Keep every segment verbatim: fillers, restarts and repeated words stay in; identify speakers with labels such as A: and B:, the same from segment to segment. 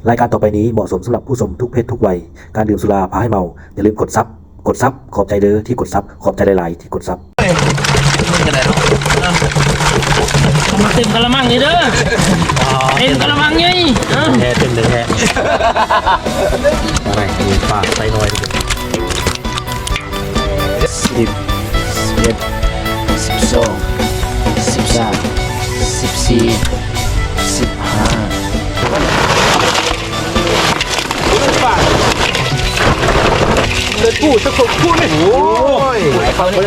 A: รายการต่อไปนี้เหมาะสมสำหรับผู้ชมทุกเพศทุกวัยการดื่มสุราพาให้เมาอย่าลืมกดซับกดซับขอบใจเด้อที่กดซับขอบใจหลายๆที่กดซับ
B: มาเต็มกะละมังนี่เด้อเต็มกะละมังไง
A: แท้เต็มเลยแท้อะไรมีปากใส่น้อยสิบสิบเอ็ดสิบสองสิบสามสิบสี่สิบห้าเลยพูดสักคนพูดเลยโอ้ยเขาเนี่ย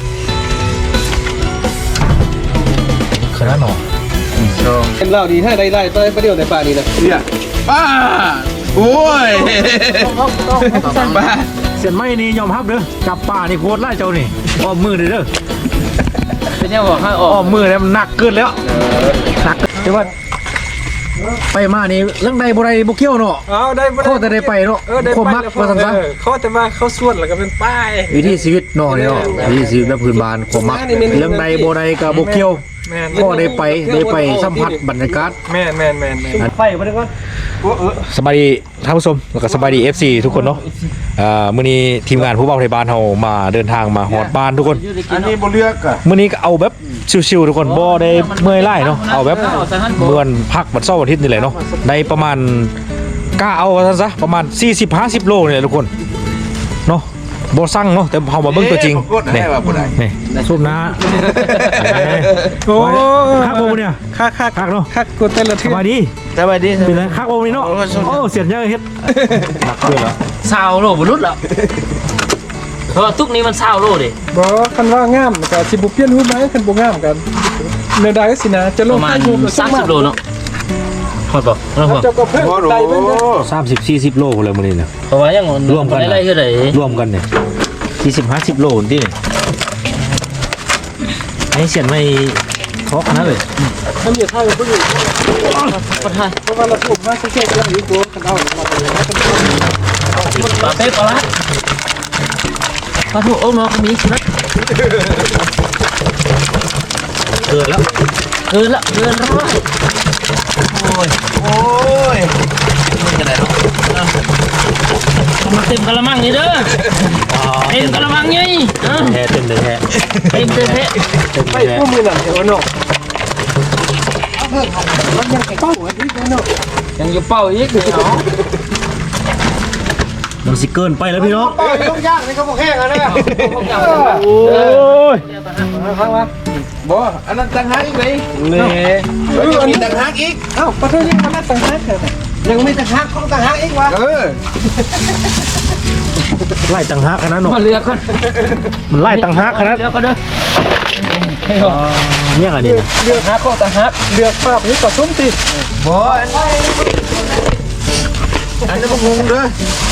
A: ขนาดหนอ
C: เป็นเหล้าดีถ้าได้ได้ต้องได้ประเดี๋ยวในป่านี้นะ
D: เนี่ยป้าโอ้ยป้า
A: เสียนไม่นี่ยอมรับเด้อจับป่านี่โคตรไล่เจ้านี่อ้อมมือเลยเด้อ
B: เป็นยังบอกให้อ
A: อ้อมมือแล้วมันหนักเกินแล้วหนักแต่ว่าไปมานี่เรื่องใดบ่ได้บ่เกี่ยวเนาะ
C: เอาได้
A: ข้อแต่ได้ไปเนาะความมักว่าซั่นซะ
C: ข้อแต่ว่าเข้าส่วนแล้วก็เป็นป้าย
A: วิถีชีวิตเนาะเนาะวิถีชีวิตแบบพื้นบ้านความมักเรื่องใดบ่ได้ก็บ่เกี่ยวก็ได้ไปได้ไปสัมผัสบรรยากาศ
C: แม่นแม่นแม่นไฟมาได้ก่อน
A: สบายดีท่านผู้ชมแล้วก็สบายดี เอฟ ซี ทุกคนเนาะอ่ามื้อนี้ทีมงานผู้บ่าวไทยบ้านเฮามาเดินทางมาฮอดบ้านทุกคน
D: อันนี้บ่เลือกอ่ะ
A: มื้อนี้ก็เอาแบบชิวๆทุกคนบ่ได้เมื่อยล้าเนาะเอาแบบเหมือนพักวันเสาร์อาทิตย์นี่แหละเนาะได้ประมาณกล้าเอาซะซะประมาณ สี่สิบห้าสิบ โลนี่แหละทุกคนเนาะบ่สั่งเนาะแต่เฮามาเบิ่งตัวจริงนี่นี่ซุปนะโอ้คักบ่เนี่ย
C: คักคัก
A: คักเนาะ
C: คักกดแต่ละที
A: สบายดี
D: สบายดี
A: เป็นไรคักบ่นี่เนาะโอ้เสียนเยอะเฮ็ดหนักเกินแล้ว
B: สาวโลบ่รุดแล้วเพราะทุกนี้มันสาวโลดิ
C: บ่คันว่างามก็สิบ่เปลี่ยนรูปไหมคันบ่งามกันแนวใดสินะจะลงให้รูป
B: สามสิบโลเนาะฮอดบ่ฮอดบ่
C: เจ้าก็เพิ่มได้เบิ่ง
A: สามสิบ สี่สิบ โลพุ่นเลยมื้อนี้น่ะ
B: เพราะว่ายัง
A: รวมกัน
B: ได้เท่าใด
A: รวมกันเนี่ยสี่สิบ ห้าสิบ โลนี่ให้เสียนไม่ทอกนะเลย
C: มันอย่าท่าเพิ่น
B: บ่ทัน
C: เพราะว่าเราถูกมาแค่ๆแล้วอยู่ตัวกันเอามาเลยนะ
B: ปลาเป๊ะปลาละปลาถูกโอ้เนาะก็มีนะ
A: เกินแล้ว
B: เกินละเกินร้อยโอ้ย
D: โอ้ยมันจะไหนเนาะ
B: มาเต็มกะละมังนี่เด้อเต็มกะละมังไง
A: แท้เต็มเลยแท้
B: เต็มเต็มแท้
C: ไปพวกมือหนังเดี๋ยวเนาะมันยังเป้าอีกเนาะ
B: ยังอยู่เป้าอีกเนาะ
A: มันสิเกินไปแล้วพี่น้อง
C: เป้ายุ่งยากนี่เขาบอกแห้งแล้วเนี่ย
A: โอ้ย
C: ฟังมา
D: บ่อันนั้นต่างหากอีกไหม
A: เลย
D: มีต่างหากอีก
C: เอ้าประตูยังมันต่างหากยังไม่ต่างหากของต่างหากอีกวะ
D: เออ
A: ไล่ต่างหากขนาดนั้น
B: มาเลือกกัน
A: มันไล่ต่างหากขนาด
B: เลือกกันเด้อ
A: เนี่ยอะไรนี่
C: เลือกหาข้อต่างหากเลือกภาพนี้ก็ส้มติ
D: บ่อันนี้บ่งงเด้อ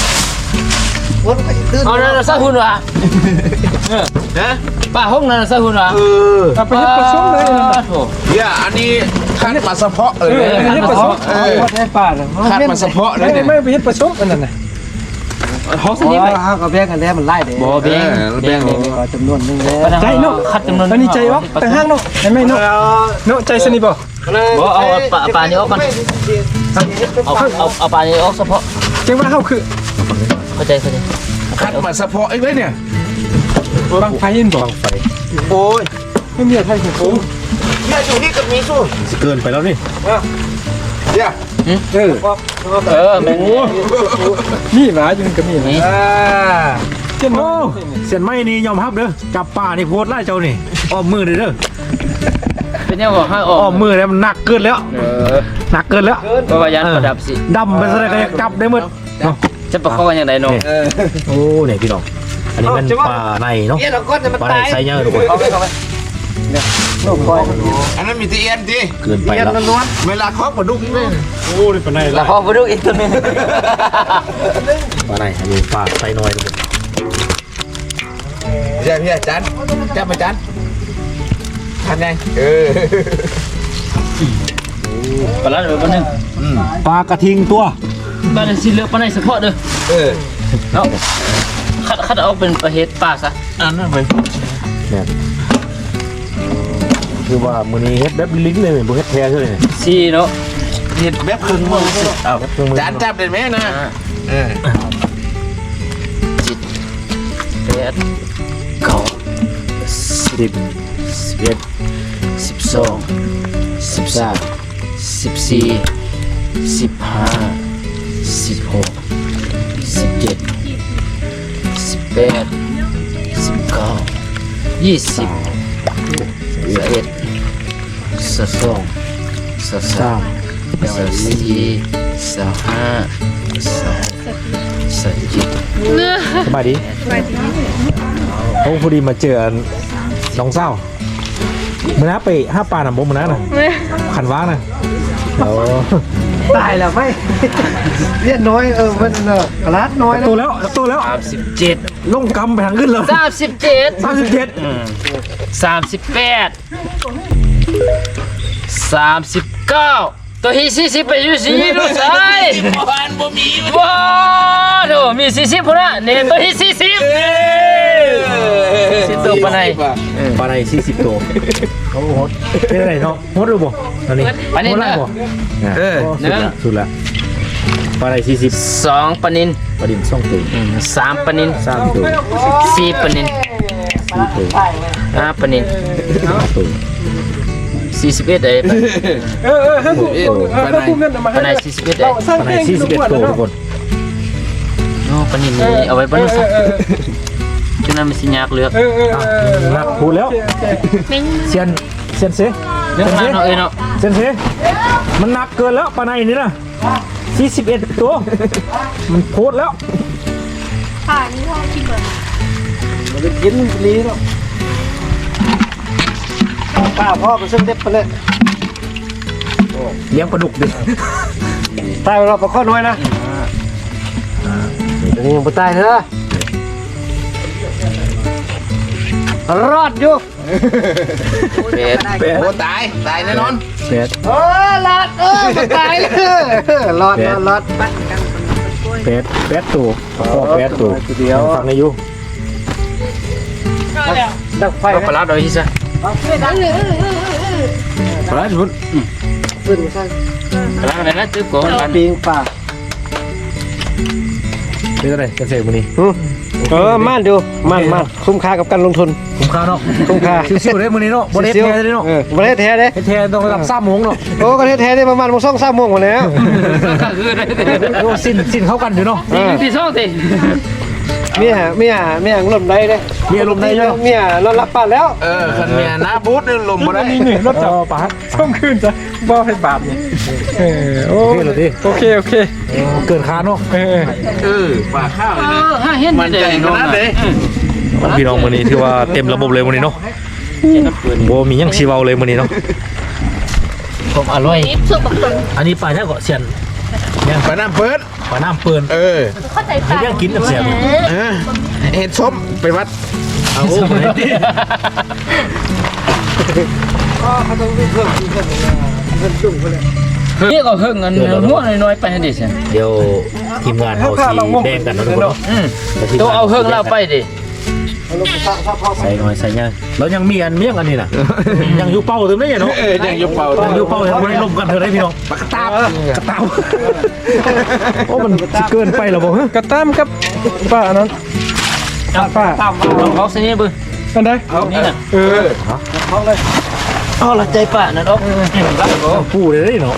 B: เอานั่นซะหุ่นว่ะ
D: ฮะ
B: ป้าห้องนั่นซะหุ่นว่ะ
D: เออ
C: เอาไปเฮ็ดผสมเลย
B: โถ
D: เนี่ยอันนี้คัดมาเฉพาะเออ
C: เฮ็ดผสมเออให้ป้าน่ะ
D: คัดมาเฉพาะเลยเนี่ย
C: ไม่ไปเฮ็ดผสมอันนั้นน่ะ
B: ห้องนี้ไป
C: เฮาก็แบ่งกันแล้วมันไล่เด้
B: บ่แบ่ง
D: แบ่ง
C: จำนวนนึงแล้วใจเนาะ
B: คัดจำนวน
C: อันนี้ใจออกต่างหากเนาะเห็นมั้ยเนาะเนาะใจสนิบ่
B: บ่เอาปลาปลานี้ออกก่อนเอาเอาเอาปลานี้ออกเฉพาะ
C: จังว่าเฮาคือ
B: เข้าใจเข้าใจ
D: คัดมาเฉพาะอีกเลยเนี่ย
C: บังไฟเห็นบ่บังไฟโอ้ยไม่มีอะไรให้ผม
D: เนี่ยอยู่นี่กับมีสู้
A: สิเกินไปแล้วนี่
D: เนี่ย
C: เออ
B: เออแม่ง
C: นี่หมาอยู่กับนี่อ่า
A: เจ้าโอ้เสียนไม่นี่ยอมรับเด้อจับป่านี่โคตรไล่เจ้านี่อ้อมมือเลยเด้อ
B: เป็นยังบอกให้อ้
A: อมมือแล้วมันหนักเกินแล้วหนักเกินแล้ว
B: เพราะว่ายันประดับสิ
A: ดำไปซะเลยก็จับได้หมดเนาะ
B: จะประคองยังไงน้อง
A: โอ้เนี่ยพี่น้องอันนี้มันปลาในเนาะปลาในไซเยอร์ทุกคน
D: อันนั้นมีตีเอ็นดิ
A: เกินไปแล้ว
D: เวลาเคาะปลาดุกนี่
A: โอ้ยปลาใน
B: แล้วเคาะปลาดุกอีกตัวนึง
A: ปลาในอันนี้ปลาไซน้อยทุกคน
D: ใช่พี่อาจารย์จับมาจานทำไงเออ
B: ปลาละเดี๋ยวปลาหนึ่ง
A: ปลากระทิงตัว
B: ปลาในสีเหลืองปลาในเฉพาะเด้อ
D: เออ
B: เนาะคัดคัดเอาเป็นประเภทปลาซะ
D: อันนั้นไป
A: เนี่ยคือว่ามื้อนี้เฮ็ดแบบลิ้นเลยบ่เฮ็ดแท้เลย
B: ซีเนาะ
D: เห็ดแบบครึ่งมือเอาจานจับได้ไหมนะเออ
B: แปดเก้าสิบสิบเอ็ดสิบสองสิบสามสิบสี่สิบห้าสิบหกสิบเจ็ดสิบแปดสิบเก้ายี่สิบสิบเอ็ดสิบสองสิบสามสิบสี่สิบห้าสิบเจ็ด
A: สบายดีโอ้พอดีมาเจอน้องเศร้ามื่อน้าไปห้าปลาหนำบงมื่อน้าน่ะขันว้าน่ะโอ้
E: ตายแล้วไม่เรียนน้อยเออมันเออรัดน้อยนะ
A: ตัวแล้วตัวแล้ว
B: สามสิบเจ็ด
A: ลงกำไปทางขึ้นเลย
B: สามสิบเจ็ด
A: สามสิบเจ็ด
B: สามสิบแปดสามสิบเก้าตัวที่สี่สิบไปอยู่สี่ดูใส่บ้านบ่มีว้าวดูมีสี่สิบพุ่นน่ะเนี่ยตัวที่สี่สิบสิบตัวปานไหน
A: ปลาในสี่สิบตัวเขาโหดเป็นอะไรเนาะโหดหรือบ่ตอนนี้
B: ปลานิล
A: โหดไร
B: นะ
A: บ่
D: เออ
A: สุดละสุดละปลาในสี่สิบ
B: สองปลานิน
A: ปลาดินสองตัว
B: สามปลานิน
A: สามตัว
B: สี่ปลานิน
A: สี่ตัว
B: ห้าปลานิน
A: ห้าตัว
B: สี่สิบเอ็ดเอ้ย
C: เออเออให้ผมเออให้ผมเงินมา
B: ปลาไหน
C: ให้
B: สี่สิบเอ็ด
C: เรา
B: เอ้ย
C: สร้าง
A: ปลาใน
C: เพลง
A: สี่สิบเอ็ดตัวทุกคน
B: โอ้ปลานินนี่เอาไว้บนนู้นซะฉะนั้นมันสิยากเลือก
C: เออเออเออ
A: นักพูดแล้วเซียนเซียนเซ
B: เลือกมาเนาะเอ้ยเนาะ
A: เซียนเซมันหนักเกินแล้วปลาในนี่นะสี่สิบเอ็ดตัวมันโคตรแล้ว
F: ค่ะนี่พ่อกินก่อน
E: มันไปกินนี้หรอกป้าพ่อก็ซึ่งเด็ดไปเลย
A: เลี้ยงปลาดุกดิ
E: ตายเราปลาข้อน้อยนะนี่ยังไม่ตายเถอะรอดอยู่
B: เป็ด
D: โอ้ตายตายแน่นอน
A: แปด
E: เออรอดเออไม่ตายเลยรอดรอดรอด
A: แปดแปดตัวพ่อแปดตัว
E: เดียว
A: ฟังในยู
E: ดักไฟ
B: เอาปลาร้าเอาอีซะ
A: ปลาชุด
E: ขึ้นข้าง
B: ปลาร้าอะไรนะตึ๊บก่อนกัน
E: ปิงป่า
A: เป็นอะไรกันเสกมันนี่
E: เออมั่นดูมั่นมั่นคุ้มค่ากับการลงทุน
A: คุ้มค่าเนาะ
E: คุ้มค่า
A: ชิวๆเลยมันนี่เนาะบริเทเลยเนาะ
E: เออบริเทเลย
A: เทต้องระดับสามโมงเนาะ
E: โอ้ก็เทได้ประมาณโมงสองสามโมงหมดแล้ว
B: ก็คือได้
A: โอ้สิ้นสิ้นเข้ากันอยู่เนาะ
B: สี่ที่สองสิ
E: เมียเมียเมียลมได้เลย
A: มีอารมณ์ได้เนาะ
E: เมียนอนรับป่านแล้ว
D: เออคันเมียหน้าบูธนี่ลมบ่ได้
C: นี่หนึ่งรถจับ
A: ปลา
C: ช่องคืนจ้ะบ่ให้บาปนี่เออโอ
A: โอเคเลยดิ
C: โอเคโอเค
A: เกินคาดเนาะ
C: เออ
D: เออปลาข้าวเลยนะ
B: ห้าเห็น
D: มันใจขนาดไหน
A: พี่น้องมันนี่ถือว่าเต็มระบบเลยมันนี่เนาะโบมียังชีวาเลยมันนี่เนาะ
B: ผมอร่อย
F: นี่สุกบักตน
A: อันนี้ปลาเนี่ยก็เสียน
D: ปลาน้ำเปิด
A: ปลาน้ำเปิล
D: เออ
F: เข้าใจ
A: ให้
F: ปะ
A: เรื่องกินกับเสียน
D: เออเห็ดส้มไปวัด
A: เอาโอ้โห
E: เขาต้องเพิ่มเพิ่มเพิ่มจุ่มเขาเลย
B: นี่ก็เพิ่งเงินหัวน้อยๆไปให้ดิฉัน
A: เดี๋ยวทีมงานเขาสีแดงกันนะทุกคนเนาะ
B: อืมต้องเอาเพิ่งเราไปดิ
E: เอาลงไปสร้างสร้างพ่อ
A: ใส่หน่อยใส่ยังแล้วยังมีอันเมี่ยงอันนี้น่ะยังอยู่เป้าถึงได้เนาะ
D: เออยังยกเป่า
A: ยังอยู่เป้ายังไม่ได้ลมกันเธอได้พี่น้องปากกระตาบกระตาบโอ้มันเกินไปหรอบ่ฮะ
C: กระตั้มกับป้าอันนั้นป้า
B: ลองเขาสินี่บึ้ง
C: อันใด
B: นี่น่ะ
C: เออ
B: อ๋อละใจป่ะนั่นอ๊อกรักก็
A: ปูเลยได้เนาะ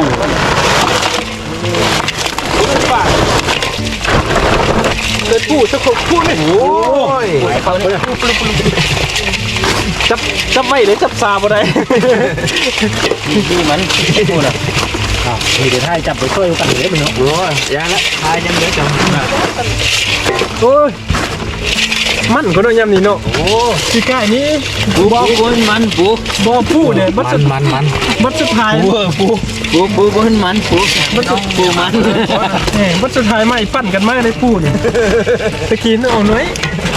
C: เลยพูดสักคนพูดเลย
D: โอ้ย
B: เขาเนี่ย
C: จับจับไม่หรือจับซาบ่ได้
B: ดีมันพูดอ่ะ
A: อ่ะมีเดี๋ยวให้จับไปช่วยกันเลยพี่น้อง
D: โอ้ยยาละทายยังเหลือจัง
C: โอ้ยมันก็โดนยำนี่เนาะโอ้ที่ใกล้นี้
B: ปูปูมันปู
C: บ่พูดเนี่ยมัด
A: มั
C: สุ
A: น
C: ด
A: มันมัน
C: มัดสุดท้าย
A: ปูเออปู
B: ปูปูปูมันปูน้องปูมัน
C: แหมมัดสุดท้ายไม่ปั้นกันมากเลยพูดเนี่ยตะกี้นี่เอาหน่อย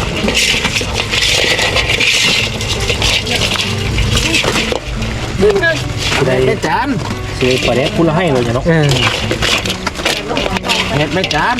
A: ได้
D: แม่จาน
A: เสียปลาแดกพูดละให้เลยเนาะ
C: เออ
D: เห็ดแม่จาน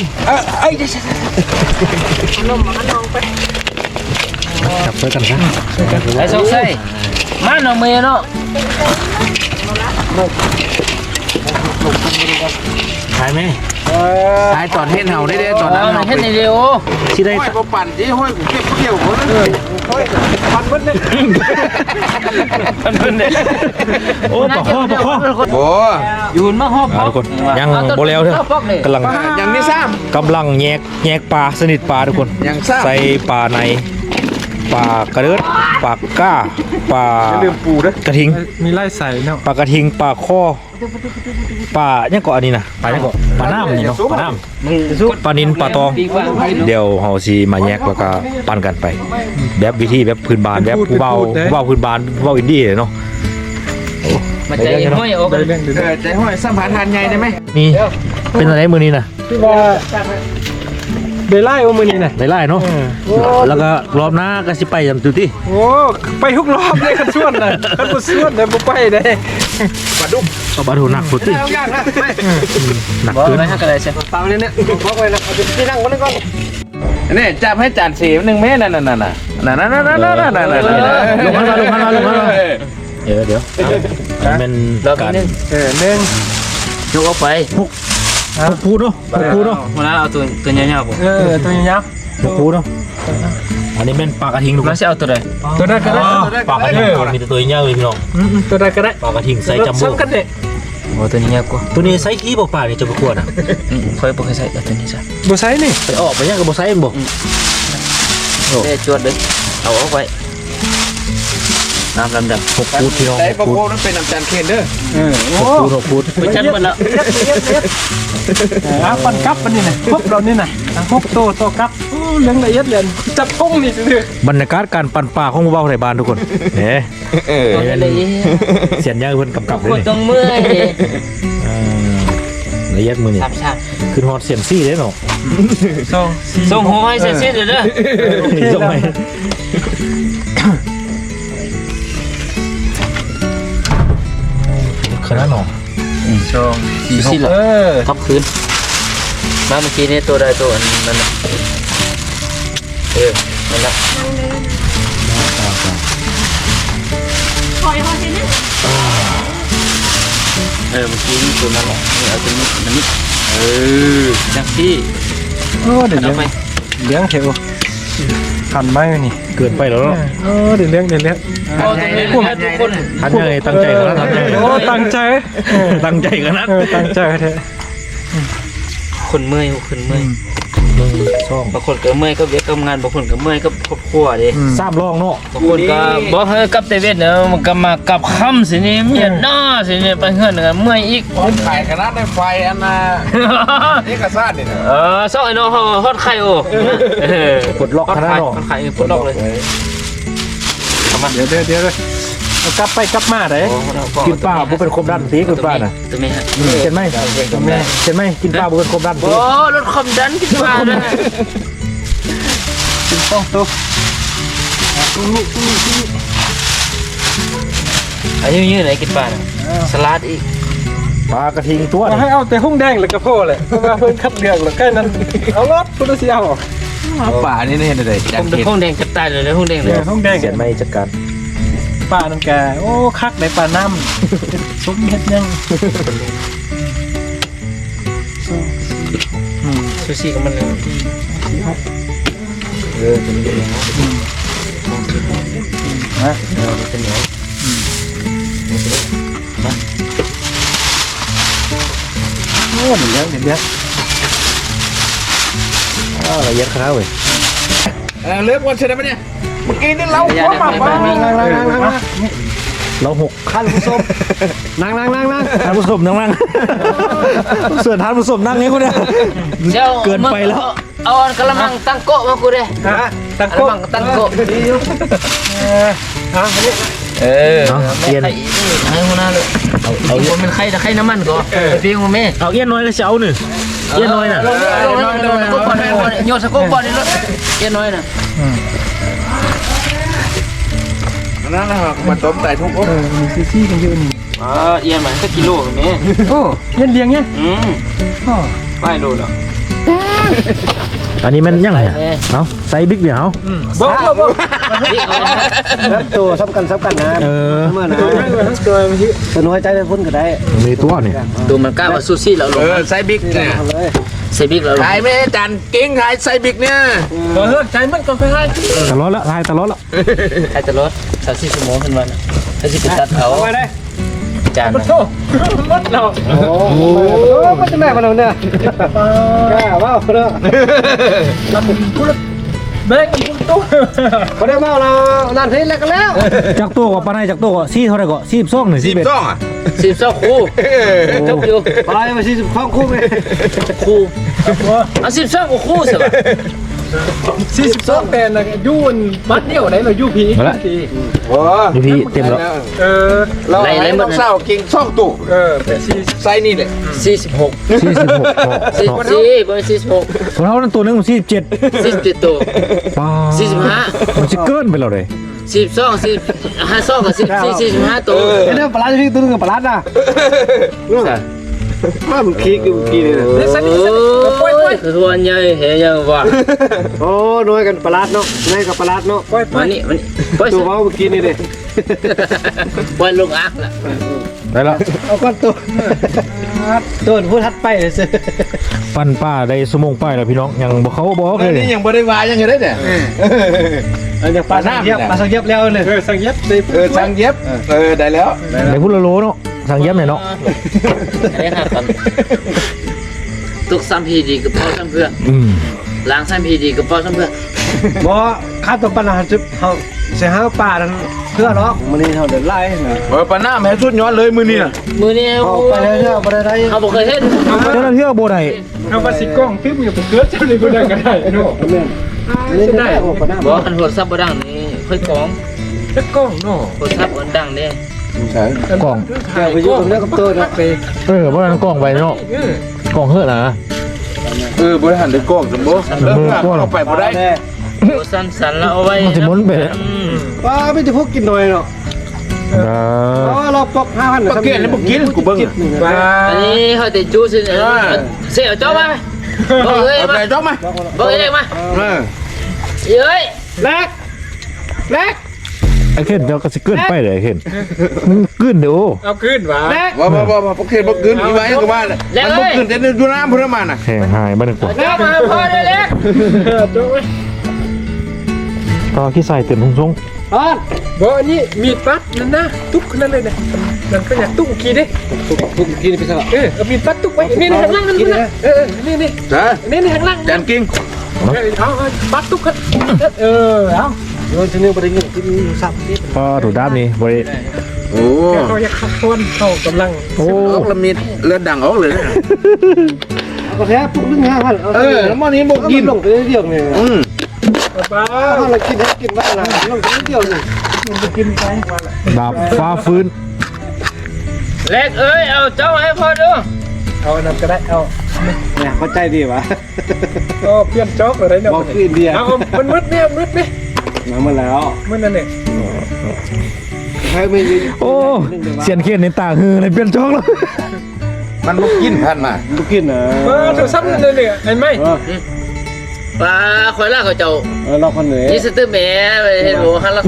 A: จับช่วยกันซะ
B: ไอ้สงสัยมันเอาเมียเนาะ
A: ขายไหม
B: ตายตอนเห็นเห่าได้เด้ตอนนั้น
D: เห็นในเดียว
A: ที่ได้
D: ห้อยบ่ปั่นที่ห้อยกูเก็บเกี่ยวคนเลย
C: พันเบิ้ลเนี่ย
A: โอ้ปะข้อปะข้อ
D: โอ้
B: ยืนมาหอบ
A: อ่าทุกคนยังโบแล้วเถอะกำลัง
D: ยังไม่ซ้
A: กำลังแยกแยกปลาสนิทปลาทุกคน
D: ยังทราบ
A: ใส่ปลาในปลากระเดิดปลาก้าปลา
C: ลืมปูด้วย
A: กระทิง
C: มีไล่ใส่เนาะ
A: ปลากระทิงปลาข้อปลาเนี่ยเกาะอันนี้นะปลาเนี่ยเกาะปลาน้ำนี่เนาะปลาน้ำปลานินปลาตอง เดี๋ยวเฮาสิมาแยกแล้วก็ปั่นกันไป แบบวิธีแบบพื้นบ้านแบบผู้เบาผู้เบาพื้นบ้านผู้เบาอินดี้เนาะ
B: มาใจห้อยออก
C: ได้เรื่องเดี๋ยว
D: เออใจห้อยสัมผัสทานใหญ่ได้ไหม
A: นี่เป็นอะไรมือนี้นะ
C: ที่ว่าได้ไล่โอมือนี่น่ะ
A: ไล่ๆเนาะแล้วก็รอบหน้าก็สิไปจำจุดที่
C: โอ้ไปทุกรอบเลยคันส่วนน่ะคันบ่ส่วนน่ะบ่ไปได้
A: เอาบาถูหนักสุดที่
D: เอายากนะไม่
A: หนัก
B: บ่
A: เกิน
B: ไม่ฮักอะไรใช่
C: ตามนี้เนี่ยบอกไว้นะเอาที่นั่งก่อนก่อน
D: นี่จับให้จานสีหนึ่งเมตรนั่นนั่นนั่นนั่นนั่นนั่นนั่นนั่นนั่นนั่น
A: ลงมาลงมาลงมาเดี๋ยวเดี๋ยวอันเป็น
B: รอบ
A: การ
B: นึง
C: เออหนึ่ง
B: ยกออกไป
A: พกพูดเนาะพกพูดเนาะ
B: มาแล้วเอาตัวตัวยาวๆผม
C: เออตัวยาว
A: พกพูดเนาะอันนี้เป็นปลากระทิงทุกค
B: มัน
A: น
B: จะเอาตัวใด
C: ๆตัวใดก็ได้
A: ปลากระทิงมีแต่ตัวใหญ่เลยพี่น้อง
C: อืมตัวใดก็ได้
A: ปลากระทิงไซส์จัมโบ้
C: ซ้ำกันเนี่ย
B: โอ้ตัวนี้ยาวกว่า
A: ตัวนี้ไซส์กี่บ่ปลาเนี่ยจะประกวดอ่ะ
B: อืมค่อยบ่เคยใส่ตัวนี้ซะ
C: บ่ใส่นี่
A: ไปออกไปยังกับบ่ไซส์บ่
B: เด้จวดเลยเอาออกไว้น้ำลำดับ
A: พกพูดพี่น้อง
D: ได้
A: พ
D: ประ
A: กพู
D: โค
A: ด
D: นั้นเป็นน้ำจานเคนเด้อ
C: เออ
A: พกพูดพกพูด
B: ไปชั้นหมดแล้ว
C: อ่ะปันกับปันนี่น่ะพบเรานี่น่ะพบโตโตกับโอ้เรื่องละเอียดเลยจับพงนี่ซื่อบ
A: รรยากาศการปั่นปลาของหมู่บ้านไทยบ้านทุกคนเฮ้
B: เอาเลย
A: เสียนยางเพิ่นกำกับเล
B: คน
A: ย
B: ต้องเมื่อยดิ
A: อ่าละเอียดมือนี่
B: สามชา
A: ขึ้นฮอดเสียนซี่เด้เนาะ
C: ๆสองสี่
B: ส่งหัวให้เสร็จๆเด้อเด้อ
A: ส่งไปขนาดเนาะ
B: สองสี่สิ
C: เออ
B: ทับคืนมาเมื่อกี้นี่ตัวใดตัวอันนั้นน่ะเออนั่นแหละ
F: นั่งเดินคอยคอยเห็นนะ
B: เออเมื่อกี้นี่ตัวนั้นแหละนี่เอาตัวนี้ตัวนี้เออจังที่
C: โอ้เดี๋ยว
B: เอา
C: เลี้ยง
B: ไป
C: เลี้ยงเถอะขันไม้ไว้นี่
A: เกินไปแล้วเนาะ
C: โอ้เดี๋ยวเลี้ยงเดี๋ยวเลี้ยง
B: เอาตัวนี้ทุกคน
A: ทันยังไงตั้งใจขนาดนั้น
C: โอ้ตั้งใจเออ
A: ตั้งใจขนาด
C: เออตั้งใจเถอะ
B: คนเมื่อยคนเมื่อย
A: มึงช่อง
B: บางคนก็เมื่อยก็เวียกกับงานบางคนก็เมื่อยก็ครอบครัวดิ
A: ทราบลองเนาะ
B: บางคนก็บอกให้กลับแต่เวทเนอะมันก็มากับค่ำสินี่เมียนหน้าสินี่ไปเฮือนกันเมื่อยอีก
D: ขายขนาดในไฟอันน่ะนี่กระซ่าเนี่ย
B: เออซอกไอ้น้องเขาฮอดไข่โอ้เออ
A: ปลดล็อกขนาดเนาะ
B: ฮอดไข่ปลดล็อกเลย
C: เดี๋ยวเดี๋ยวเดี๋ยวเลยเอากลับไปกลับมาได้
A: กินปลาบ่เป็นครบด้านตีกินปลาน่ะ
B: ตัวแม่ฮะ
A: เห็นไหมเห็นไหมกินปลาบ่เป็นครบด้านตี
B: โอ้รถความดันกินมานะ
C: ต้องตัว
B: อายุยืนไหนกินปลาน่ะสลัดอีก
A: ปลากระทิงตัว
C: เอาให้เอาแต่หุ้งแดงแล้วก็พอเลยเพราะว่าเพิ่นคัดเลือกแล้วใกล้นั้นเอารถคุณสิเอา
D: ป่านี่เห็นอะไร
B: ผ
D: จาน
B: ม
D: เคน
B: ห้องแดงจะตายเลยห้องแดงเล
C: เดี๋
B: ย
C: ยวหุ้งแดง
A: เสียนไม่จัดการ
C: ปลานั่นแกโอ้คักในปลาน้ำซุ้มเฮ็ดยัง
B: ซูชิกับมันเลย
A: เออตัวนี้
C: ฮะ
B: เออมันเป็นเหนียว
C: โอ้เดี๋ยวเลี้ยงเดี๋ยวเลี้ยง
A: อ้าวละเอียดขนาดเว้ย
D: เออเลือกวันเสร็จแล้วเนี่ยเมื่อกี้นี่เรา
B: อย่า
D: หัว
B: ได้
D: หมัก
B: ไม่
D: มา
B: ไม่ไม่
C: นั่งนั่งนั่งนั่ง
A: เราหก
C: ขั้นผู้ชมนั่งนั่งนั่งนั่ง
A: ท่านผู้ชมนั่งนั่งเสือท่านผู้ชมนั่งนี้กูเนี่ย
B: เดี๋ยว
A: เกินไปแล้ว
B: เอาอันกระมังตั้งโกะมากูเด้
C: ฮะตะ
B: ก
C: โก
B: ระ
C: น
B: มังตั้งโกะ
C: เออฮะอันนี้
B: เออ
A: เนาะเอียน
B: ไข่ให้หัวหน้าเลย
A: เอา
B: เอา
A: เอา
B: มันไข่แต่ไข่น้ำมันก็ไปปิ้งมาแม่
A: เอาเอียนน้อยก็เช้าหนึ่งเอียนน้อยน่ะ
B: ลงลงลงลงสกุปบอลโยนสกุปบอลนี่รถเย็นน้อยน่ะ
D: นั่นนะมันต้มไก่ทุก
C: เออมีซีซี่กันเยอะนี่
B: อ๋อเอียนมันสักกิโลแม่
C: โอ้เลี้ยงเลี้ยงเนี่ย
B: อืม
C: อ๋อ
B: ไม่โลแล้ว
A: อันนี้มันยังไงเนาะไซส์บิ๊กเดี๋ยว
C: บ่บ่บ่
E: แล้วตัวสำคัญสำคัญนะ
A: เออ
E: เมื่อนะ
C: ตัวไม่มาทั้งตัวเมื่อกี้
E: ตัวน้อยใจได้พ้นก็ได้
A: มีตัวนี่
B: ดูมันกล้าว่าซูซี่เราล
D: เอง อไซบิ๊กเนี่ย
E: ทำเลย
B: ใส่บิ๊กเราลง
D: ขายไม่ให้จานเก่งขายไซบิ๊กเนี่ย
C: เออใจมันก่อนไปให้
A: ตลอดละทายตลอดละ
B: ใครจะลดสามสี่ชั่วโมงขึ้นมาถ้าสิไปตัดเอา
E: เอาไว้ได้
B: จาน
C: โธ่รถเรา
E: โอ้โหมันจะแม่มาแล้วเนี่ยกล้าว่าเนาะ
C: ลำพูดแบงคุณตู้
E: เขาได้มาเรานั่นเพลแล้วกันแล้ว
A: จากตัวกับปานายจากตัวก็ซี่เท่าไหร่ก็ซี่สองหนึ่ง
D: สิ
A: ซี่
D: บ
A: เบ็ด
D: สองอ่ะ
B: สิบสองคู่จบอยู่
E: ไปมาสี่สิบข้องคู่ไป
B: คู่เอาสิบสองคู่สิวะ
C: สี่สิบสองแปนนะยูนบัดเดียวไหนเรายูพีที
D: โอ้
A: นี่พี่เต็มแล้ว
C: เออ
D: เราให้น้องสาวเก่งสองตู้
C: เออแปดสี่
D: ไซนี่แหละ
B: สี่สิบหก
A: ซี่สิบหก
B: สี่สิบสี่บนสี่สิบหก
A: ของเขานั่นตัวนึงมันซี่สิบเจ็ด
B: สี่สิบเจ็ดตัว
A: ป้า
B: สี่สิบห้า
A: มันจะเกินไปแล้วเลย
B: สี่สิบสองสี่ห้าสองกับสิบสี่สี่สิบห้าตัว
E: ไอ้เนี่ยปลาที่ตัวนึงกับปลาน่ะมามึงคีกูกีนี่
C: นี่สันนี่
B: โอ้
C: สันนี่ปล่อยปล่อย
B: ยคือวันใหญ่เฮียยังว่า
E: โอ้น้อยกันปลาเนาะน้อยกับปลาเนาะ
C: ปล่อยปล่
B: มา
C: อย
B: นี่มานี่ปล่อย
E: ตัวว่าเมื่อกี้นี่เด้
B: ปล่อยลงอักละ
A: ได้แล้ว
E: เอาก้อนตัวตัวพูดทัดไปเลยสิ
A: ปั้นป้าได้สมงป้ายแล้วพี่น้องยังบอกเขาบอกเล
D: เฮ้ย
A: ย
D: นี่ยังบ่ได้วายยังไงได้เนี่ย
E: อันนี้ปลาสังเย็บปลาสังเย็บแล้วเลย
C: เออสังเย็บสิ
D: เออสั่งเย็บเออได้แล้ว
A: ในพุทธโลเนาะสั่งเย็บหน่อยเนาะ
B: ไอ้ห่ากันตุกซ้ำพีดีกับพ่อซ้ำเพื่อ
A: อืม
B: ล้างซ้ำพีดีกับพ่อซ้ำเพื่อ
E: บ่ข้าตัวปลาจุบเขาเสียห้าปลาทั้งเพื่อหรอกมันนี่เขาเดินไล่นะ
D: เออปาหน้าแม่สุดยอดเลยมือนี่น่ะ
B: มือนี้
E: เอาไปเลยเถอะไปเลยได้
B: เขาบอกเคยเห็น
A: เจ้าหน้าที่เอาโบได้
C: เอามาสิกล้องฟิล์มอยู่กับเกลือเจ้านี่ก็ได้ก็ได้เนาะ
E: นี่ได้โอ้ปลาหน้า
B: บอกกันหัวซับบ่ดังนี่ค่อยกอง
C: จะกล้องเนาะ
B: หัวซับอันดังเด้
D: ใช่
A: กล่อง
E: แกไปยุ่งเรื่องกับตัวนะไป
A: เออเพราะนั้นกล่องไปเนาะกล่องเฮ้อะนะ
D: เออบริหารด้วยกล้องสมบูรณ์เริ่มเข้าไปบ่ได้
B: หัวสั้นสันแล้วเอาไว้
A: มันจะหมุนไปเลย
E: ว้าไม่จะพวกกินหน่อยเนาะ
A: เออ
E: อ๋อเราปอกห้าพัน
D: ปากเกลียนแล้วบ่กินกูเบิ่ง
C: มา
B: อันนี้เขาติดจูสิเสียเจ้ามาบอกเลย
D: เอา
B: มา
D: ไปจ๊อบมา
B: บอกเลยมา
D: เออ
B: เย้ย
E: แรกแรก
A: ไอ้เข็นเจ้าก็สิเกินไปเลยไอ้เข็นมึงกึ้นเดี๋ยว
C: เอาขึ้นวะ
E: แรก
D: ว่าว่าว่าปากเกลียนบ่กินอีไว้ก็ว่ามันบ่กินแต่ดูน้ำพุ่นมาน่ะ
A: แห่หายบ้านหนึ่งกว่า
B: เจ้ามาพอได้เล็ก
C: โจ้ย
A: ต่อขี้ใส่เต็มทงทรง
E: ออน
C: บ่อันนี้มีดปัดนั่นนะตุ๊กนั่นเลยนะนั่นก็อยากตุ๊กกี่ดิ
E: ทุกกินไปซะ
C: เออเอามีดปัดตุ๊กไว้นี่นี่ข้างล่างนั่นนะเออนี่นี่
D: จ้า
C: นี่นี่ข้างล่าง
D: จานกิ้ง
C: เอาเอาปัดตุ๊กเออเอา
E: โยนชนิดประเด็นกินสับนิด
A: พอถูกด้ามนี้บริ
D: โอ้
C: เขาอยากขับคนเขากำลัง
A: โอ้
D: ออกละมิดเลือดดังออกเลย
E: เอาก็แท้ปุ๊บนึงห้าพัน
D: เออแล้วมันนี้บ่กิน
E: ลงไปเดียวเนี่ย
D: อืม
C: ป้า
E: ถ้าเรากินให้กินบ้างนะลงไปเดียวนี่
C: มันจะกินไป
A: ดาบฟ้าฟื้น
B: เล็กเอ้ยเอาเจ้าให้พอดู
C: เอาอันนั้นก็ได้เอา
E: เนี่ยเข้าใจดีวะ
C: ก็เปลี่ยนจ็อกอะไรเนาะ
E: บอกคืออินเดีย
C: เอามันมืดเนี่ยมืดไหม
E: มาเมื่อแล้ว
C: มืดนั่นเนี่ย
E: ให้ไม่
A: โอ้เสียนเขียนในตาฮือในเปลี่ยนช่องแล้ว
D: มันบ่กินพันมา
E: ลูกกินเหรอ
C: เออโทรศัพท์เลยเนี่ยเห็นไหม
B: ปลาคอยล่าเขาเจ้า
E: เออเราคนเหนือ
B: ยี่สิบแม่ไปเห็นหัวฮันลัก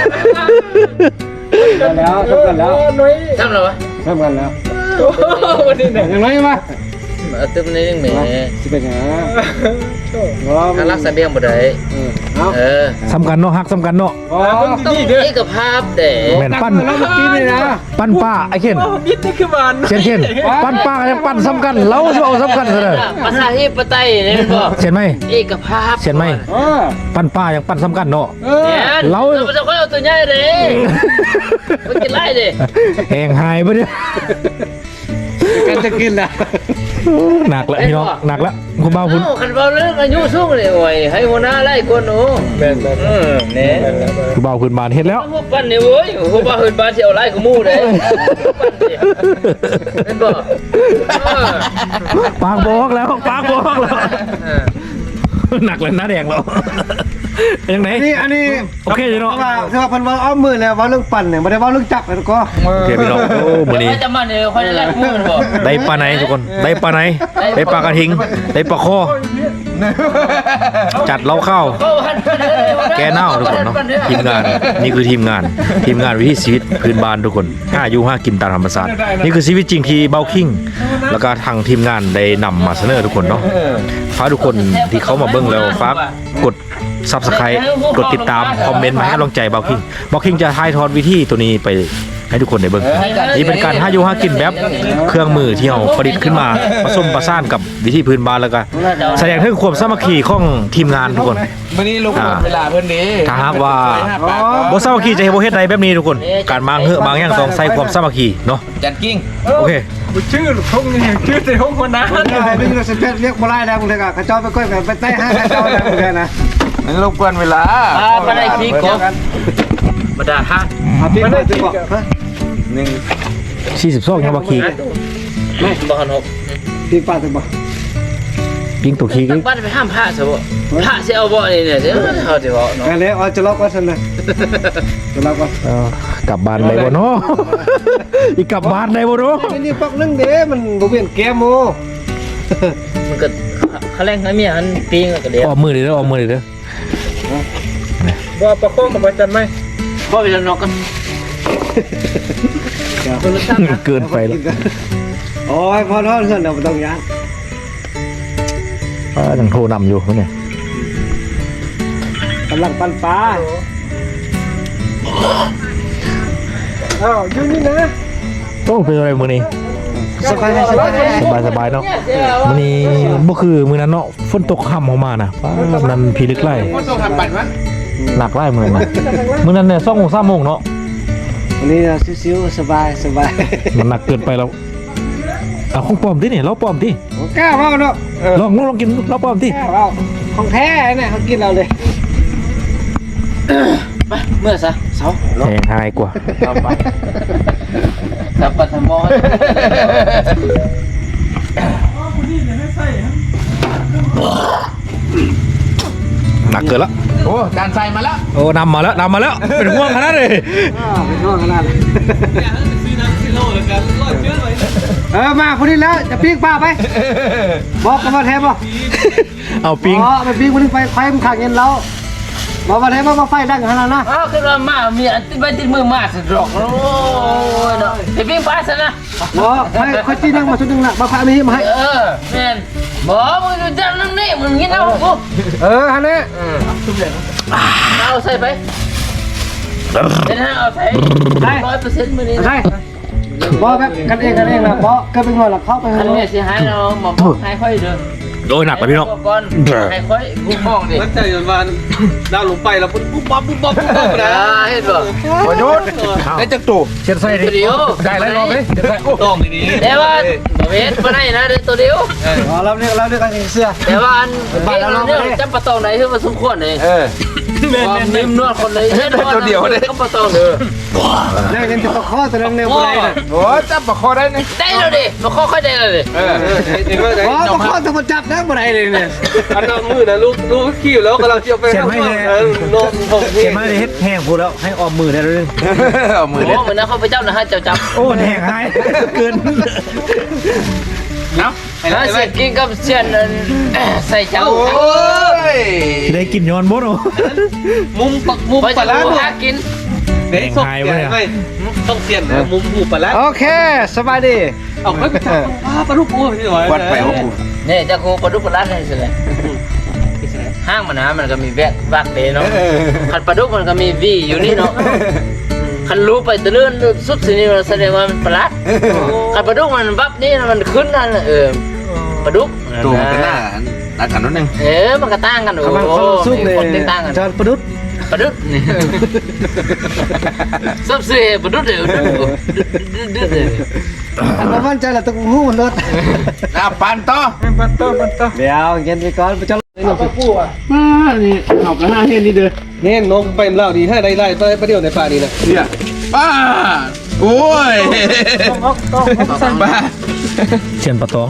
E: กันแล้วทำกันแล้ว
C: น้อย
B: ทำหรอวะ
E: ทำกันแล้ว
C: โอ้วันนี้เนี่ย
E: อย่างไรมา
B: เอาตึ้มในนึงแม่
E: สิเป็นหา
B: ฮันลักใส่เบี้ยงบ่ได้
E: เอา
B: เออ
A: สำคัญเนาะฮักสำคัญเนาะ
E: อ๋อ
B: ต้องเอกภาพเด้
A: แม่นปั้น
E: แล้วเมื่อกี้นี่นะ
A: ปั้นป้าไอ้เข็น
C: บิดนี่คือมัน
A: เขียนเขียนปั้นป้าก็ยังปั้นสำคัญเราจะเอาสำคัญซะเลย
B: ภาษาที่ปไตยนี่มันบอก
A: เขียนไหม
B: เอกภาพ
A: เขียนไหม
E: เออ
A: ปั้นป้ายังปั้นสำคัญเนาะ
E: เออ
B: เนี่ยเราจะค่อยเอาตัวใหญ่เลยมันกินไล่ดิ
A: แหงหายไปเนี่ย
E: กันจะกินนะ
A: หนักแล้วพี่น้องหนักแล้วคุณบ้าคุณ
B: เอ้าคันเบาเรื่องอายุสูงเลยโอ้ยให้หัวหน้าไล่คนหนู
C: แม่นแม่น
B: เออเนี่ย
A: คุณบ้าคุณบานเฮ็ดแล้ว
B: พวกปั้นเนี่ยโว้ยพวกบ้าเฮินบ้านที่เอาไล่กูมู่เลยปั้นสิเป็นบ่เออ
A: ปากบอกแล้วปากบอกแล้วหนักเลยหน้าแดงแล้วยังไง
E: นี่อันนี้
A: โอเคเนาะ
E: ว่าถ้าพันว่าเอามือแล้วว่าเรื่องปั่นเนี่ยไม่ได้ว่าเรื่องจับแล้วก็
A: โอเคพี่น้องโอ้มื้อนี้
B: เดี๋ยวจะมาเนี่ยค่อยได้แลกมู่มันบ่
A: ได้ปลาไหนทุกคนได้ปลาไหนได้ปลากระทิงได้ปลาคอ
D: ม
A: จัดเล้าข้าวแกเน่าทุกคนเนาะทีมงานนี่คือทีมงานทีมงานวิถีชีวิตพื้นบ้านทุกคนห้าอยู่ห้ากินตามธรรมชาตินี่คือชีวิตจริงที่เบาคิงแล้วก็ทางทีมงานได้นำมาเสนอทุกคนเนาะฝากทุกคนที่เขามาเบิ่งแล้วฝากกดซับสไครต์กดติดตามคอมเมนต์มาให้กำลังใจเบาคิงเบาคิงจะถ่ายทอดวิธีตัวนี้ไปให้ทุกคนได้เบิ่งนี่เป็นการห้าอยู่ห้ากินแบบเครื่องมือที่เราประดิษฐ์ขึ้นมาผสมประสานกับวิธีพื้นบ้านแล้วก็แสดงถึงความสามัคคีของทีมงานทุกคน
D: วันนี้ลูกเวลาเพื่อนดี
A: ถ้าหากว่าบ่สามัคคีจะเฮ็ดบ่เฮ็ดใดแบบนี้ทุกคนการบางเฮือบางอย่างต้องใส่ความสามัคคีเนาะ
D: จัดกิ้ง
A: โอเค
C: ชื่อทงนี่ชื่อแต่ทงคนนั้น
E: นี่ไงนี่เราสเปซเรียกบ่ได้แล้วมึงเถอะกระจอกไปก้อยไปใต้ห้างกระจอกแล้วมึงเถอะนะ
D: นั่นรบกวนเวลา
B: มาได้ขี้กบมาได้ฮะ
E: เอาพี่ไปจะบอกฮะ
D: หนึ่ง
A: สี่สิบสองยังบ่ขี้
B: ไม่บอกกันหก
E: พี่ป้าจะบอก
A: ปิ้งตัวขี้
B: บ้านไปห้ามพระซะบ่พระสิเอาบ่นี่เนี่ยเดี๋ยวเขาสิบอกเนาะ
E: กันเลยเอาจะล็อกว่าฉันเลยจะล็อกว่า
A: เออกลับบ้านได้บ่เนาะอีกกลับบ้านได้บ่เนาะ
E: นี่ปักนึงเด้มันบ่เวียนแก้มโม
B: มันก็เขาแรงให้เมียหันปิงก็เดี๋ยว
A: ออกมือเด้อออกมือเด้อ
C: บ่ประคองกับอาจารย์ไหม
B: พ่อไปนอกกัน
A: เกินไปแล้ว
E: โอ้ยพอทอดเพื่อนเราต้องยัน
A: อ่ายังโทรนำอยู่เนี่ย
E: กำลังปั่นปลา
C: อ้าวอยู่นี่นะ
A: โอ้เป็นอะไรมื้อนี้
E: สบายสบาย
A: สบายสบายเนาะมื้อนี้บ่คือมื้อนั้นเนาะฝนตกค่ำเข้ามาน่ะฟ้านั้นพีลึกไล่
D: พ่อส่งทำปั่นวะ
A: หนักไล่มื้อนั้นมื้อนั้นเนี่ยสองโมงสามโมงเนาะ
E: วันนี้ซิวๆสบายสบาย
A: มันหนักเกินไปแล้วเอาของปลอมดิเนี่ยเราปลอมดิ
E: กล้าเมาเนาะ
A: ลองลองกินเราปลอมดิ
E: กล้าเมาของแท้เนี่ยเขากินเราเลย
B: ไปเมื่อซะเสา
A: แพงหายกว่า
B: เอาไปสับปัทมอ
A: หนักเกินละ
D: โอ้จานใส่มาแล้ว
A: โอ้นำมาแล้วนำมาแล้วเป็นห่วงขนาดเลย
E: เป็นห่วงขนาดเลยเออมาคนนี้แล้วจะปิ้งป้าไปบอกกันมาแทนบ่
A: เอาปิ้ง
E: อ๋อไปปิ้งคนนึงไปไฟมันขังเงินเราบอกมาแทนว่าไฟดังขนาดนะ
B: อ้าวคือว่ามามีอันที่ไปติดมือมาสะดอกโอ้ยเนาะไปปิ้งปลาซะนะ
E: บอกไฟค่อยจีนั่งมาชุดนึงละมาพามีมาให้
B: เออแม่นบ่มึงอยู่จังนั่นนี่มึงกินเอากู
E: เออฮันนี่
B: เอาใส่ไปเดี๋ยวนะเอาใส่ร้อยเปอร์เซ็นต์มื้อนี้
E: ใช่บอกแบบกันเองกันเองนะบอกก็เป็นงอนหลักเข้าไป
B: อัน
E: เล
B: นี้
E: ย
B: สิหายเราหมอบอกให้ค่อยเด้อ
A: โดยหนักไปพี่น้อง
B: ก่อนให้ค่อยกูมองดิ
C: มันใจจนวันดาวลงไปแล้วปุ๊บปุ๊บปั๊บปุ๊บปั๊บปุ๊บปั๊บนะ
B: เห็นบ่
D: พอยุดได้จักตู่
A: เช็ดไส้ดิ
B: เดียว
A: ได้ไรรอบเลยเช็ดไส้
C: ต้องดี
B: แต่ว่าบ่เฮ็ดบ่ได้นะเด้อตัวเดียว
E: อ๋อเราเนี่ยเราเนี่ยกันเสื้อ
B: แต่ว่าอันเฮ็ดเนี่ยจำปะตองไหนคือว่าสมควรนี่
D: เออ
B: ความนิ่มนวดคนเลยเฮ็ดตัวเดียวเด้จำปะตองเด้อ
E: นี่ยังจะข้อแต่เรื่องเนี่ยอะไรเนี่ย
D: โอ้จับปะคอได้นี่
B: ได้แล้วดิบ่ค่อยได้แล้วดิ
D: เออ
C: เห็นว่าไง
E: อ๋อต้องข้อต้องมาจับนะอะไรเลยเนี่ย
C: อันนั้นมือนะลูกลูกขี้แล้วกำลังเจียวไปนมผม
A: เขียนมาเลยเฮ็ดแห้งพูดแล้วให้ออมมือได้แล้วนึง
D: เอามือ
B: โอ้
D: เด็ด
B: เหมือนนะเขาไปเจ้านะฮะเจ้าจับ
A: โอ้แห้งหายเกิน
D: เนาะไป
B: แล้
D: แล้ว ว
B: เสียกินกับเสียนใส่เจ้า
D: โอ้ย
A: ได้กินย้อนบดโอ้
C: มุมปักมุม
B: ไป
C: ป
B: จะ
C: ลา
B: รู้
C: ร้า
B: หากิน
C: เด็กสดไปต้องเปลี่ยนมุมหูปลาร้า
E: โอเคสบายดี
C: เอาไปจับปลาลูกปูที่หน่อย
D: วัดไปว่าปู
B: นี่เจ้ากูปลาดุกปลาลัดให้สิเลยห้างมันนะมันก็มีแวกวักเดเนาะคันปลาดุกมันก็มีวีอยู่นี่เนาะคันรู้ไปตะเลื่อนสุดสินี่แสดงว่ามันปลาลัดคันปลาดุกมันวับนี่มันขึ้นนั่นเออปลาดุก
D: ตู่มันก็น่าน่ากันนิดนึง
B: เออมันก็ต่างกันโอ้
E: กำลัง
B: โห
E: สู้เลย
B: คนต่างกัน
E: จอนประดุษ
B: ปลาดุกนี่ซับเสียปลาดุกเดี๋ยวดูดูดู
E: อันนั้นมั่นใจแหละต้องหูมันรถ
D: น้าปันต่อ
C: ปันโตปันโต
E: เดี๋ยวเย็นไปก่อนไปจอนเลยหนุ่ม
C: ปูอ่ะ
E: มานี่เอากระห้าเฮ็ดนี่เด้อ
C: เนี่ยนกเป็นเล่าดีให้ได้ไล่ไปประเดี๋ยวในป่านี้นะ
D: เนี่ยป้าโอ้ย
C: ต้องต้องสั่ง
D: บ้า
A: เชียนปลาตอง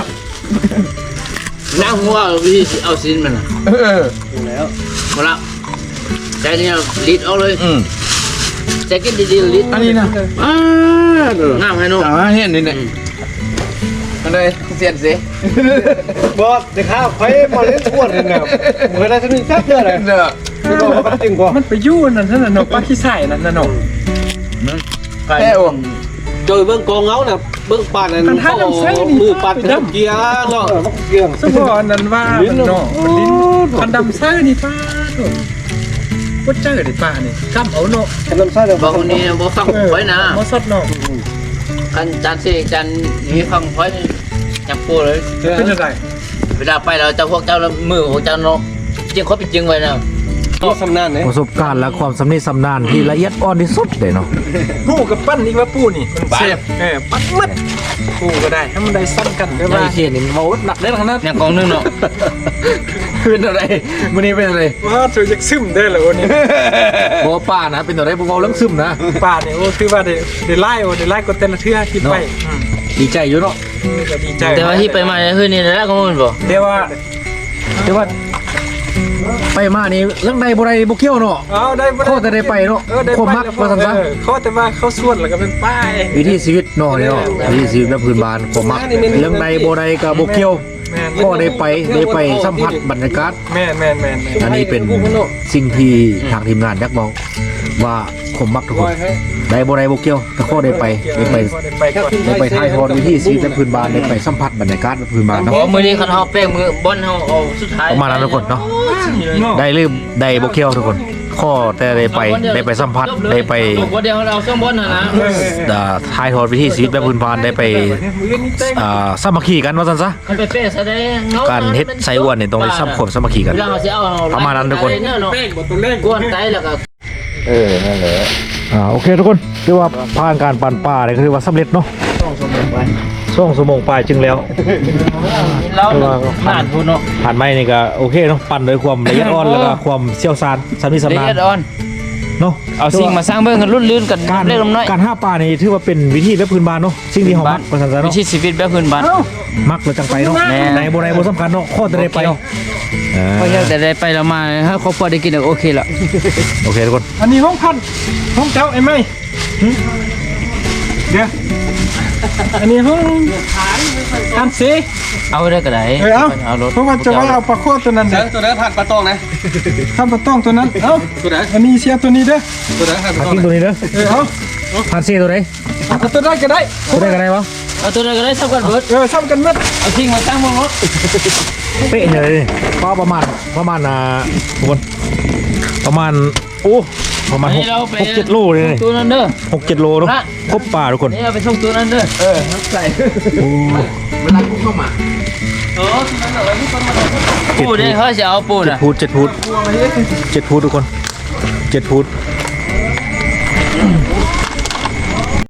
B: นั่งหัววิธีเอาซินมัน
D: เออ
B: มาละใจนี่ลิดเอาเลย
D: อืม
B: ใจกินดีๆลิด
D: อันนี้นะ
B: งามให้นุ่ม
D: อ่าเห็นนี่เนี่ย
B: ง
D: เลยเสียนสิ
E: บ่เด็กข้าวไฟมาเล่นอ้วนเลยนะเคยได้สักนิดแค่เดียวเลย
D: เด้อ
E: ไม่บอกว่าจริงกว่า
C: มันไปยู่นั่นนั่นน่ะเนาะปลาขี้ใส่นั่นน่ะเนาะ
D: แค่อ่ะ
E: โดยเบื้องกองเงาน่ะเบื้องปานนั้นมือปัดน้ำเกียร์เนาะเกียร์
C: สมพอนั่นว่ามันเนาะมันลิ้นคันดำซ่านี่ป้าโถ่บ่เจอดิป้านี่กำเอาเนาะ
E: ขนมไส้เดี๋ยว
B: บอกคนนี้บอกฟังไว้นะ
C: บ่สดเนาะ
B: กันจานสี่จานนี้ฟังไว้จับปูเลย
C: เป็นจังได๋
B: เวลาไปเราจะพวกเจ้าแล้วมือพวกเจ้าเนาะจริงเขาเป็นจริงไว้นะ
E: ตัวสำนานเนี่ย
A: ประสบการณ์และความสำนิสำนานที่ละเอียดอ่อนที่สุดเลยเนาะ
C: ปูกับปั้นอีกว่าปูนี่มันเสียบเออปั้นมัดปูก็ได้ให้มันได้ซ้ำกันก็ว่า
A: ไอ้เขียนนี่มันเบาหนักได้ขนาด
B: เนี่ยกองนึงเนาะ
A: เป็นอะไรมื้อนี้เป็นอะไร
C: ว่าเธอจะซึมได้เหรอวันนี้
A: บ่ป้านะเป็นอะไรบ่เบาเรื่องซึมนะ
C: ป่าเนี่ยโอ้คือว่าได้ได้ไล่โอ้ได้ไล่ก็เต้นละเทื่อคิดไปอืม
A: ดีใจอยู่เนาะ
C: ก็ดีใจ
B: แต่ว่าที่ไปมาเนี่ยคือนี่นะก็มันบอก
C: เดี๋ยวว่า
A: แต่ว่าไปมานี่เรื่องใดบ่ได้บ่เกี่ยวเนาะ
C: เอาได้บ่
A: โคตรได้ไปเนาะ
C: เออได้
A: โคตรมักว่าซั่นซะ
C: เออเขาแต่ว่าเขาส่วนแล้วก็เป็นป้าย
A: วิถีชีวิตเนาะนี่เนาะวิถีชีวิตแบบพื้นบ้านความมักเรื่องใดบ่ได้ก็บ่เกี่ยว
C: แม่น
A: ก็ได้ไปได้ไปสัมผัสบรรยากาศ
C: แม่นแม่นแม่นแม่น
A: อันนี้เป็นสิ่งที่ทางทีมงานอยากบอกว่าผมมักทุกคนได้บ่ได้บ่เกี่ยวแต่ข้อได้ไปได้ไป
C: ได้ไปก่อน
A: ได้ไปถ่ายทอดวิถีชีวิตแบบพื้นบ้านได้ไปสัมผัสบรรยากาศแบบพื้นบ้านเนาะ
B: เพราะมือนี้เขาเอาแป้งมือบอลเขาเอาสุดท้าย
A: ประมาณนั้นทุกคนเนาะได้ลืมได้บ่เกี่ยวทุกคน ข้อแต่ได้ไปได้ไปสัมผัสได้ไป
B: วันเดียวเราซ่อมบอลนะนะ
A: อ่าถ่ายทอดวิถีชีวิตแบบพื้นบ้านได้ไป
C: มือนี่เต้ง
A: อ่าสามัคคีกันว่าซั่นซะ
B: มันไปเป๊ะแสดง
A: การเฮ็ดไส้อ้วนนี่ต้องได้สัมคมสามัคคีกัน
B: เวลาเขาจะเอา
A: ประมาณนั้นทุกคน
C: เป้งบ่ตัวเลข
B: กวนไตแล้วก็
D: เออนั่นแหละ
A: อ่าโอเคทุกคนเรียกว่าผ่านการปั่นป่าเนี่ยก็ถือว่าสำเร็จเนาะช่วงสมงปลายจึงแล้ว
B: เราหนาดพูนเนาะ
A: ผ่านไม้นี่ก็โอเคเนาะปั่นโดยความละเอียดอ่อนแล้วก็ความเชี่ยวชาญสามีสำ
B: ละ
A: นา
B: เอี
A: ญ
B: ยดอ่อน
A: เนาะ
B: เอาสิ่งมาสร้างเบื้องกันรุ่นลื่นกัน
A: การ
B: เล็กน้อย
A: การห้าป่านี่ถือว่าเป็นวิธีแบบพื้นบ้านเนาะสิ่งที่เฮามักประสาน
B: วิ
A: เนาะ
B: ธีชีวิตแบบพื้นบ้าน
A: มักแล้วจังไปเนาะ
B: แม่
A: ในบ่ในบ่สำคัญเนาะข้อแต่ได้ไปอ่า
B: เพราะแต่ได้ไปแล้วมาถ้าครอบครัวได้กินโอเคละ
A: โอเคทุกคน
C: อันนี้ห้องพันห้องเจ้าไอ้ไหมหึเดี๋ยวอันนี้ห้องอันสี
B: เอาได้ก็ได้
C: เออเอา
B: เอารถ
C: เพราะว่าจะว่าเอาปลาโคตรตัวนั้นเด้อ
D: ตัวไหนผ่านปลาตองนะ
C: ข้ามปลาต้องตัวนั้นเอ้า
D: ตัวไหน
C: อันนี้เสียตัวนี้เด้อ
D: ตัวไหนผ่านป
A: พั
D: ลาก ตอง
A: กิ้งตัวนี้เด้อ
C: เออเอา
A: พันซี่ตัวไหน
C: เอาตัวได้ก็ได้
A: ตัวได้ก็ได้วะ
B: เอาตัวนั้นก็ได้สักกันเบิด
C: เออซ้ำกันหมัด
B: เอาสิ่งมาสร้างเบื้องรถ
A: เป๊ะเลยนี่ก็ประมาณประมาณอ่าทุกคนประมาณโอ้ประมาณหกหกเจ็ดโลเลยนี่
B: ตัวนั้นเด้อ
A: หกเจ็ดโลเนาะครบป่าทุกคน
B: นี่เอาไปส่งตัวนั้นเด้อเออใส่
D: เวลากูเข้ามา
B: ปูได้เขาจะเอาปู
A: เจ็ด
B: น่ะ
A: พูดเจ็ดพูดเจ็ดพูดทุกคนเจ็ดพูด